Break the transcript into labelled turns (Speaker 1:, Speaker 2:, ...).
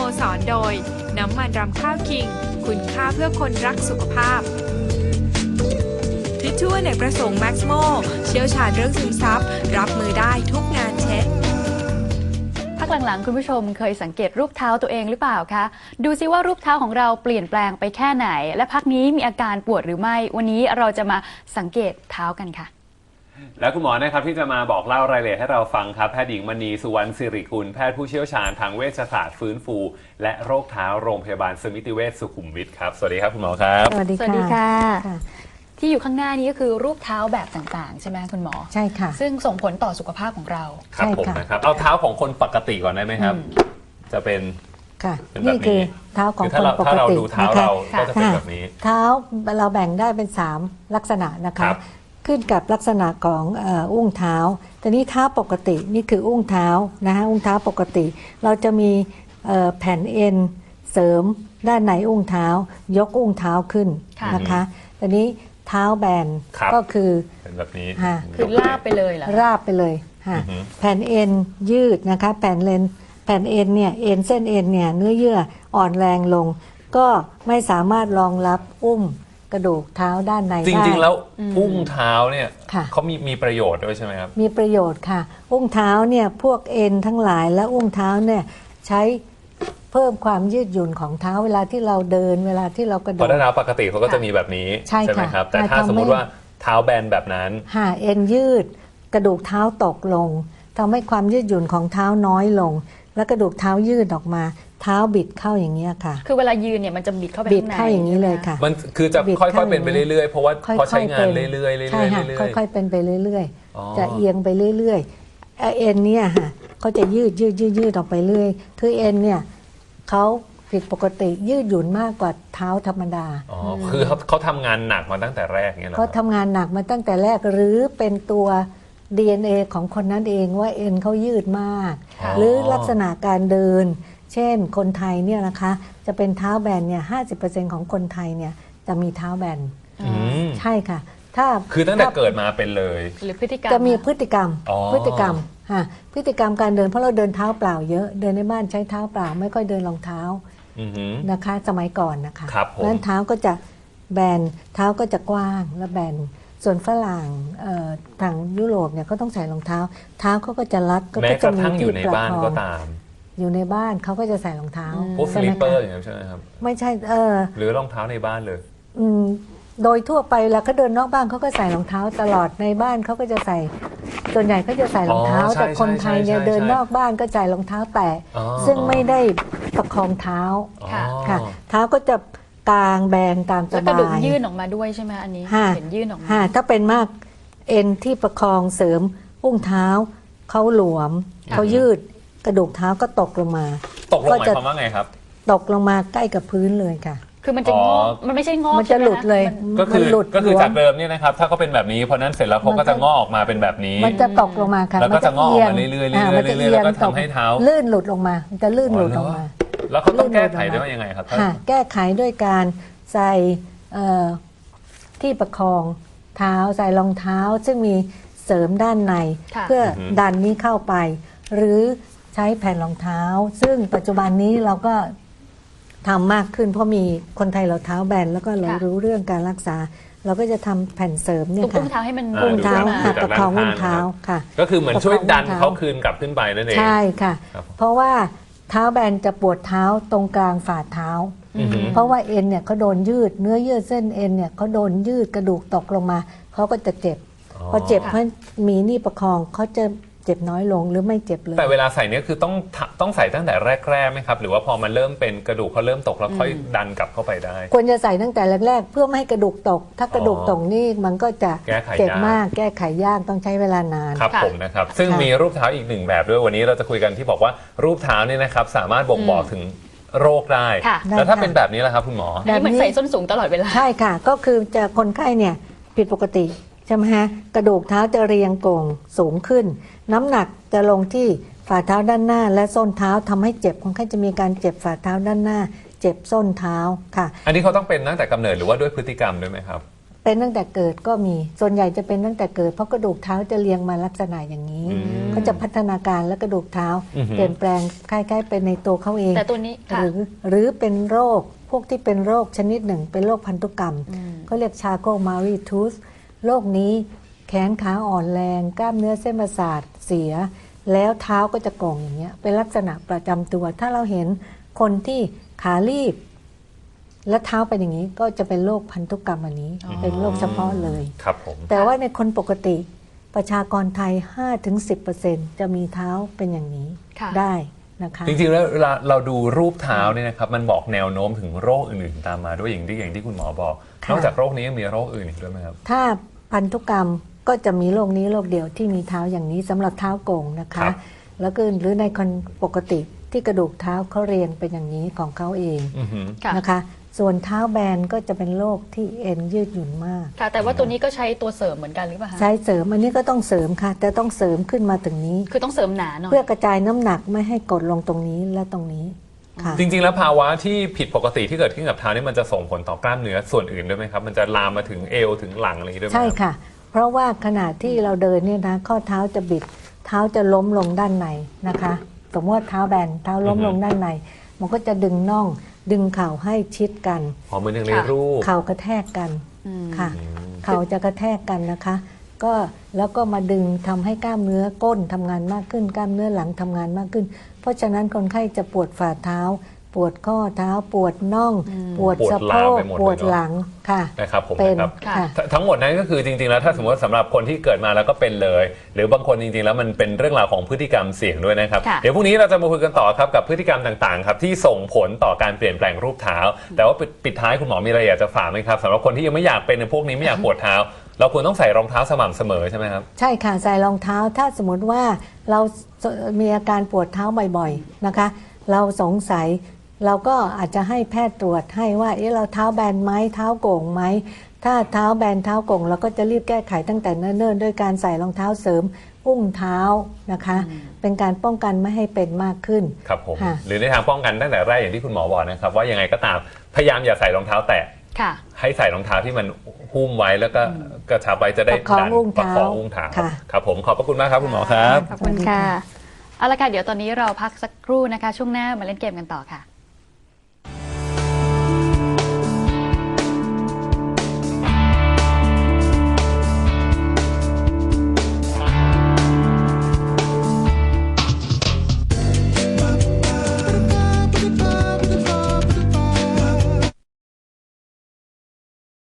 Speaker 1: สรโดยน้ำมันรำข้าวคิงคุณค่าเพื่อคนรักสุขภาพทิชชู่อเนกประสงค์แม็กซ์โมเชี่ยวชาญเรื่องซึมซับรับมือได้ทุกงานเช็ด
Speaker 2: พักหลังๆคุณผู้ชมเคยสังเกตรูปเท้าตัวเองหรือเปล่าคะดูซิว่ารูปเท้าของเราเปลี่ยนแปลงไปแค่ไหนและพักนี้มีอาการปวดหรือไม่วันนี้เราจะมาสังเกตเท้ากันค่ะ
Speaker 3: และคุณหมอนะครับที่จะมาบอกเล่ารายละเอียดให้เราฟังครับแพทย์หญิงมณีสุวรรณศิริกุลแพทย์ผู้เชี่ยวชาญทางเวชศาสตร์ฟื้นฟูและโรคเท้าโรงพยาบาลสมิติเวชสุขุมวิทครับสวัสดีครับคุณหมอครับ
Speaker 4: สวัสดี
Speaker 2: ค่ะที่อยู่ข้างหน้านี้ก็คือรูปเท้าแบบต่างๆใช่ไหมคุณหมอ
Speaker 4: ใช่ค่ะ
Speaker 2: ซึ่งส่งผลต่อสุขภาพของเรา
Speaker 3: ครับผมนะครับเอาเท้าของคนปกติก่อนได้ไหมครับจะเป็น
Speaker 4: ค่ะนี่คือเท้าของคนปกติ
Speaker 3: ถ้าเราดูเท้าเราก็จะเป็นแบบนี้
Speaker 4: เท้าเราแบ่งได้เป็น3ลักษณะนะคะขึ้นกับลักษณะของอุ้งเท้าแต่นี้เท้าปกตินี่คืออุ้งเท้านะคะอุ้งเท้าปกติเราจะมีแผ่นเอ็นเสริมด้านในอุ้งเท้ายกอุ้งเท้าขึ้นนะคะแต่นี้เท้าแบนก็คือ
Speaker 3: เป็นแบบนี้
Speaker 2: คือราบไปเลยเหรอ
Speaker 4: ราบไปเลยค่ะแผ่นเอ็นยืดนะคะแผ่นเอ็นเนี่ยเอ็นเส้นเอ็นเนี่ยเนื้อเยื่ออ่อนแรงลงก็ไม่สามารถรองรับอุ้มกระดูกเท้าด้านในได้
Speaker 3: จริงๆแล้วอุ้งเท้าเนี่ยเขามีประโยชน์ด้วยใช่ไหมครับ
Speaker 4: มีประโยชน์ค่ะอุ้งเท้าเนี่ยพวกเอ็นทั้งหลายและอุ้งเท้าเนี่ยใช้เพิ่มความยืดหยุ่นของเท้าเวลาที่เราเดินเวลาที่เรากระโดด
Speaker 3: เพราะเท้าปกติเขาก็จะมีแบบนี้ใช่ไหมครับแต่ถ้าสมมติว่าเท้าแบนแบบนั้น
Speaker 4: เอ็นยืดกระดูกเท้าตกลงทำให้ความยืดหยุ่นของเท้าน้อยลงแล้วกระดูกเท้ายืดออกมาเท้าบิดเข้าอย่างนี้ค่ะ
Speaker 2: คือเวลายืนเนี่ยมันจะบิดเข้าไป
Speaker 4: บิดเข้าอย่างนี้เลยค่ะ
Speaker 3: มันคือจะค่อยๆเป็นไปเรื่อยๆเพราะว่าพอใช้งานเรื่อยๆ
Speaker 4: ใช่ค่ะค่อยๆเป็นไปเรื่อยๆจะเอียงไปเรื่อยๆเอ็นเนี่ยค่ะเขาจะยืดออกไปเรื่อยคือเอ็นเนี่ยเขาผิดปกติยืดหยุ่นมากกว่าเท้าธรรมดา
Speaker 3: คือเขาทำงานหนักมาตั้งแต่แรกเนี่ย
Speaker 4: เขาทำงานหนักมาตั้งแต่แรกหรือเป็นตัว DNA ของคนนั้นเองว่าเอ็นเขายืดมากหรือลักษณะการเดินเช่นคนไทยเนี่ยนะคะจะเป็นเท้าแบนเนี่ย 50% ของคนไทยเนี่ยจะมีเท้าแบนใช่ค่ะถ้า
Speaker 3: คือตั้งแต่เกิดมาเป็นเลย
Speaker 2: หรือพฤติกรรม
Speaker 4: จะมีพฤติกรรมพฤติกรรมการเดินเพราะเราเดินเท้าเปล่าเยอะเดินในบ้านใช้เท้าเปล่าไม่ค่อยเดินรองเท้านะคะสมัยก่อนนะคะนั้นเท้าก็จะแบนเท้าก็จะกว้างและแบนส่วนฝรั่งทางยุโรปเนี่ยเขาต้องใส่รองเท้าเท้าเขาก็จะรัด
Speaker 3: ก็จะมีที่ประคอง
Speaker 4: อยู่ในบ้านเขาก็จะใส่รองเท้า
Speaker 3: พวกสลิปเปอร์อย่างนี้ใช่ไหมครับ
Speaker 4: ไม่ใช่
Speaker 3: หรือรองเท้าในบ้านเลย
Speaker 4: โดยทั่วไปแล้วเขาเดินนอกบ้านเขาก็ใส่รองเท้าตลอดในบ้านเขาก็จะใส่ส่วนใหญ่เขาจะใส่รองเท้าแต่คนไทยเนี่ยเดินนอกบ้านก็ใส่รองเท้าแตะซึ่งไม่ได้ประคองเท้าค่ะเท้าก็จะกลางแบนตามสบาย
Speaker 2: แล้วกระดูกยื่นออกมาด้วยใช่ไหมอันนี้เห็นยื่นออกมา
Speaker 4: ถ้าเป็นมากเอ็นที่ประคองเสริมอุ้งเท้าเขาหลวมเขายืดกระดูกเท้าก็ตกลงมา
Speaker 3: ตกลงหมายความว่าไงครับ
Speaker 4: ตกลงมาใกล้กับพื้นเลยค่ะ
Speaker 2: คือมันจะงอมันไม่ใช่งอ
Speaker 4: มันจะหลุดเลย
Speaker 3: ก็คือจากเดิมเนี่ยนะครับถ้าเขาเป็นแบบนี้เพราะนั้นเสร็จแล้วเขาก็จะงอออกมาเป็นแบบนี้
Speaker 4: มันจะตกลงมาค่ะ
Speaker 3: แล้วก็จะงอออกมาเรื่อยๆแล้วก็ทำให้เท้า
Speaker 4: ลื่นหลุดลงมามันจะลื่นหลุดลงมา
Speaker 3: แล้วเขาต้องแก้ไขได้ว่ายังไงครับ
Speaker 4: แก้ไขด้วยการใส่ที่ประคองเท้าใส่รองเท้าซึ่งมีเสริมด้านในเพื่อดันนี้เข้าไปหรือใช้แผ่นรองเท้าซึ่งปัจจุบันนี้เราก็ทำมากขึ้นเพราะมีคนไทยเราเท้าแบนแล้วก็เรารู้เรื่องการรักษาเราก็จะทำแผ่นเสริมเนี่ยค่ะ
Speaker 2: อุ้งเท้าให้มัน
Speaker 4: อุ้งเท้าประคองอุ้งเท้าค่ะ
Speaker 3: ก็คือเหมือนช่วยดันเขาคืนกลับขึ้นไปนั่นเอง
Speaker 4: ใช่ค่ะเพราะว่าเท้าแบนจะปวดเท้าตรงกลางฝ่าเท้าเพราะว่าเอ็นเนี่ยเขาโดนยืดเนื้อเยื่อเส้นเอ็นเนี่ยเขาโดนยืดกระดูกตกลงมาเขาก็จะเจ็บพอเจ็บเพราะมีนี่ประคองเขาจะเจ็บน้อยลงหรือไม่เจ็บเลย
Speaker 3: แต่เวลาใส่เนี่ยคือต้องใส่ตั้งแต่แรกๆไหมครับหรือว่าพอมันเริ่มเป็นกระดูกเขาเริ่มตกแล้วค่อยดันกลับเข้าไปได้
Speaker 4: ควรจะใส่ตั้งแต่แรกๆเพื่อไม่ให้กระดูกตกถ้ากระดูกตกนี่มันก็จะเจ็บมากแก้ไขยากต้องใช้เวลานาน
Speaker 3: ครับผมนะครับซึ่งมีรูปเท้าอีกหนึ่งแบบด้วยวันนี้เราจะคุยกันที่บอกว่ารูปเท้าเนี่ยนะครับสามารถบ่งบอกถึงโรคได้แล้วถ้าเป็นแบบนี้ล่ะครับคุณหมอ
Speaker 2: แบบนี้เหมือนใส่ส้นสูงตลอดเวลา
Speaker 4: ใช่ค่ะก็คือจะคนไข้เนี่ยผิดปกติใช่ไหมฮะกระดูกเท้าจะเรียงโก่งสูงขึ้นน้ำหนักจะลงที่ฝ่าเท้าด้านหน้าและส้นเท้าทำให้เจ็บคนไข้จะมีการเจ็บฝ่าเท้าด้านหน้าเจ็บส้นเท้าค่ะ
Speaker 3: อันนี้เขาต้องเป็นตั้งแต่กำเนิดหรือว่าด้วยพฤติกรรมด้วยไหมครับ
Speaker 4: เป็นตั้งแต่เกิดก็มีส่วนใหญ่จะเป็นตั้งแต่เกิดเพราะกระดูกเท้าจะเรียงมาลักษณะอย่างนี้ ก็จะพัฒนาการและกระดูกเท้าเปลี่ยนแปลงคล้ายๆเป็นในตัวเขาเอง
Speaker 2: แต่ตัวนี้ค่ะ
Speaker 4: หรือเป็นโรคพวกที่เป็นโรคชนิดหนึ่งเป็นโรคพันธุกรรมเขาเรียกชาโกมารีทูสโรคนี้แขนขาอ่อนแรงกล้ามเนื้อเส้นประสาทเสียแล้วเท้าก็จะโก่งอย่างเงี้ยเป็นลักษณะประจำตัวถ้าเราเห็นคนที่ขาลีบและเท้าเป็นอย่างนี้ก็จะเป็นโรคพันธุกรรมอันนี้เป็นโรคเฉพาะเลย
Speaker 3: ครับผม
Speaker 4: แต่ว่าในคนปกติประชากรไทย 5-10% จะมีเท้าเป็นอย่างนี้
Speaker 2: ค่ะ
Speaker 4: ได้นะคะ
Speaker 3: จริงๆแล้วเวลาเราดูรูปเท้าเนี่ยนะครับมันบอกแนวโน้มถึงโรคอื่นๆตามมาด้วยอย่างที่คุณหมอบอก
Speaker 4: ค่ะ
Speaker 3: นอกจากโรคนี้ยังมีโรคอื่นอีกด้วยไหมครับ
Speaker 4: ถ้าพันธุกรรมก็จะมีโรคนี้โรคเดียวที่มีเท้าอย่างนี้สำหรับเท้าโก่งนะ
Speaker 3: ครั
Speaker 4: คะ
Speaker 3: บ
Speaker 4: แล้วก็หรือในคนปกติที่กระดูกเท้าเขาเรียงเป็นอย่างนี้ของเขาเอง
Speaker 3: อือหือ
Speaker 2: ค่ะ
Speaker 4: นะคะ ส่วนเท้าแบนก็จะเป็นโรคที่เอ็นยืดหยุ่นมาก
Speaker 2: ค่ะ แต่ว่าตัวนี้ก็ใช้ตัวเสริมเหมือนกันหรือเปล่าคะ
Speaker 4: ใช้เสริมอันนี้ก็ต้องเสริมค่ะ แต่ต้องเสริมขึ้นมาถึงนี้
Speaker 2: คือต้องเสริมหนาหน่อย
Speaker 4: เพื่อกระจายน้ำหนักไม่ให้กดลงตรงนี้และตรงนี้ค่ะ
Speaker 3: จริงๆแล้วภาวะที่ผิดปกติที่เกิดขึ้นกับเท้านี่มันจะส่งผลต่อกล้ามเนื้อส่วนอื่นด้วยไหมครับมันจะลามมาถึงเอวถึงหลังอะไรอย่างนี้ด้วยไหม
Speaker 4: ใช่
Speaker 3: ครับ
Speaker 4: ค่ะ เพราะว่าขณะที่เราเดินเนี่ยนะข้อเท้าจะบิด เท้าจะล้มลงด้านในนะคะ สมมติว่าเท้าแบนเท้าล้มลงด้านใน มันก็จะดึงน่อง ดึงเข่าให้ชิดกัน
Speaker 3: อ๋อเหมือนอย่างในรูป
Speaker 4: เข่ากระแทกกันค่ะ เข่าจะกระแทกกันนะคะ ก็แล้วก็มาดึงทำให้กล้ามเนื้อก้นทำงานมากขึ้น กล้ามเนื้อหลังทำงานมากขึ้น เพราะฉะนั้นคนไข้จะปวดฝ่าเท้า ปวดข้อเท้า ปวดน่อง ปวดสะโพก ปวดหลังค่ะ
Speaker 3: นะครับผม
Speaker 4: เป็น
Speaker 3: นะครับ
Speaker 4: ค่ะ
Speaker 3: ทั้งหมดนั้นก็คือจริงๆแล้วถ้าสมมติว่าสำหรับคนที่เกิดมาแล้วก็เป็นเลย หรือบางคนจริงๆแล้วมันเป็นเรื่องราวของพฤติกรรมเสี่ยงด้วยนะครับ
Speaker 2: ค่ะ
Speaker 3: เดี๋ยวพรุ่งนี้เราจะมาคุยกันต่อครับกับพฤติกรรมต่างๆครับที่ส่งผลต่อการเปลี่ยนแปลงรูปเท้า แต่ว่าปิดท้ายคุณหมอมีอะไรอยากจะฝากไหมครับสำหรับคนที่ยังไม่อยากเป็นในพวกนี้ไม่อยากปวดเท้า เราควรต้องใส่รองเท้าสม่ำเสมอใช่ไหมครับ
Speaker 4: ใช่ค่ะใส่รองเท้าถ้าสมมติว่าเรามีอาการปวดเท้าบ่อยๆนะคะ เราสงสัยเราก็อาจจะให้แพทย์ตรวจให้ว่าเราเท้าแบนไหมเท้าโก่งไหมถ้าเท้าแบนเท้าโก่งเราก็จะรีบแก้ไขตั้งแต่เนิ่นๆด้วยการใส่รองเท้าเสริมอุ้งเท้านะคะ เป็นการป้องกันไม่ให้เป็นมากขึ้น
Speaker 3: ครับผม
Speaker 4: ค่ะ
Speaker 3: หรือในทางป้องกันตั้งแต่แรกอย่างที่คุณหมอบอกนะครับว่ายังไงก็ตามพยายามอย่าใส่รองเท้าแตะ
Speaker 2: ค่ะ
Speaker 3: ให้ใส่รองเท้าที่มันหุ้มไว้แล้วก็กระชับไว้จะได้
Speaker 4: ประคองอุ้ง
Speaker 3: ประ
Speaker 4: เท้า
Speaker 3: คองอุ้งเท้า
Speaker 4: ค่ะ
Speaker 3: ครับผมขอบพระคุณมากครับคุณหมอครับ
Speaker 2: ขอบคุณค่ะ เอาละค่ะ เดี๋ยวตอนนี้เราพักสักครู่นะคะ ช่วงหน้ามาเล่นเกมกันต่อค่ะ